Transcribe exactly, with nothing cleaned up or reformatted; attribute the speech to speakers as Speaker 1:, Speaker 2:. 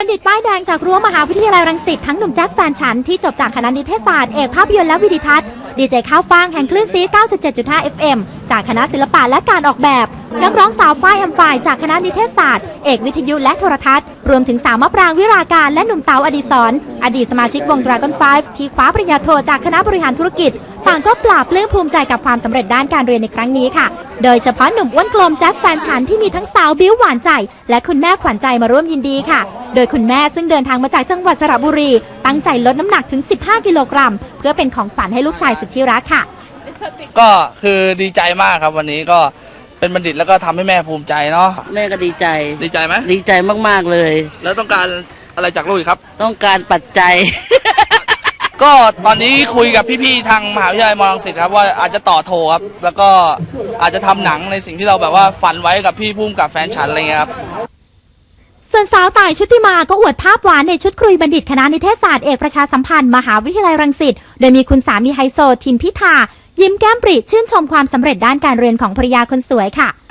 Speaker 1: ณฑิตป้ายแดงจากรั้วมหาวิทยาลัยรังสิตทั้งหนุ่มแจ็คแฟนฉันที่จบจากคณะนิเทศศาสตร์เอกภาพยนตร์และวิดีทัศน์ดีเจข้าวฟ่างแห่งคลื่นซี เก้าสิบเจ็ดจุดห้า เอฟ เอ็ม จากคณะศิลปะและการออกแบบนักร้องสาวฝ้ายแอมฝ่ายจากคณะนิเทศศาสตร์เอกวิทยุและโทรทัศน์รวมถึงสาวมะปรางวิราการและหนุ่มเต๋าอดิศรอดีตสมาชิกวง Dragon ไฟว์ ที่คว้าปริญญาโทจากคณะบริหารธุรกิจต่างก็ปราบปลื้มภูมิใจกับความสำเร็จด้านการเรียนในครั้งนี้ค่ะโดยเฉพาะหนุ่มอ้วนกลมแจ็คแฟนฉันที่มีทั้งสาวบิ้วหวานใจและคุณแม่ขวัญใจมาร่วมยินดีค่ะโดยคุณแม่ซึ่งเดินทางมาจากจังหวัดสระบุรีตั้งใจลดน้ำหนักถึงสิบห้ากิโลกรัมเพื่อเป็นของขวัญให้ลูกชายสุดที่รักค่ะ
Speaker 2: ก็คือดีใจมากครับวันนี้ก็เป็นบัณฑิตแล้วก็ทำให้แม่ภูมิใจเนาะ
Speaker 3: แม่ก็ดีใจ
Speaker 2: ดีใจไหม
Speaker 3: ดีใจมากๆเลย
Speaker 2: แล้วต้องการอะไรจากลูกอีกครับ
Speaker 3: ต้องการปัจจัย
Speaker 2: ก็ตอนนี้คุยกับพี่ๆทางมหาวิทยาลัยมอรังสิตครับว่าอาจจะต่อโทครับแล้วก็อาจจะทำหนังในสิ่งที่เราแบบว่าฝันไว้กับพี่พุ่มกับแฟนฉันอะไรเงี้ยครับ
Speaker 1: ส่วนสาวต่ายชุติมาก็อวดภาพหวานในชุดครุยบัณฑิตคณะนิเทศศาสตร์เอกประชาสัมพันธ์มหาวิทยาลัยรังสิตโดยมีคุณสามีไฮโซทิมพิธายิ้มแก้มปริชื่นชมความสำเร็จด้านการเรียนของภรรยาคนสวยค่ะ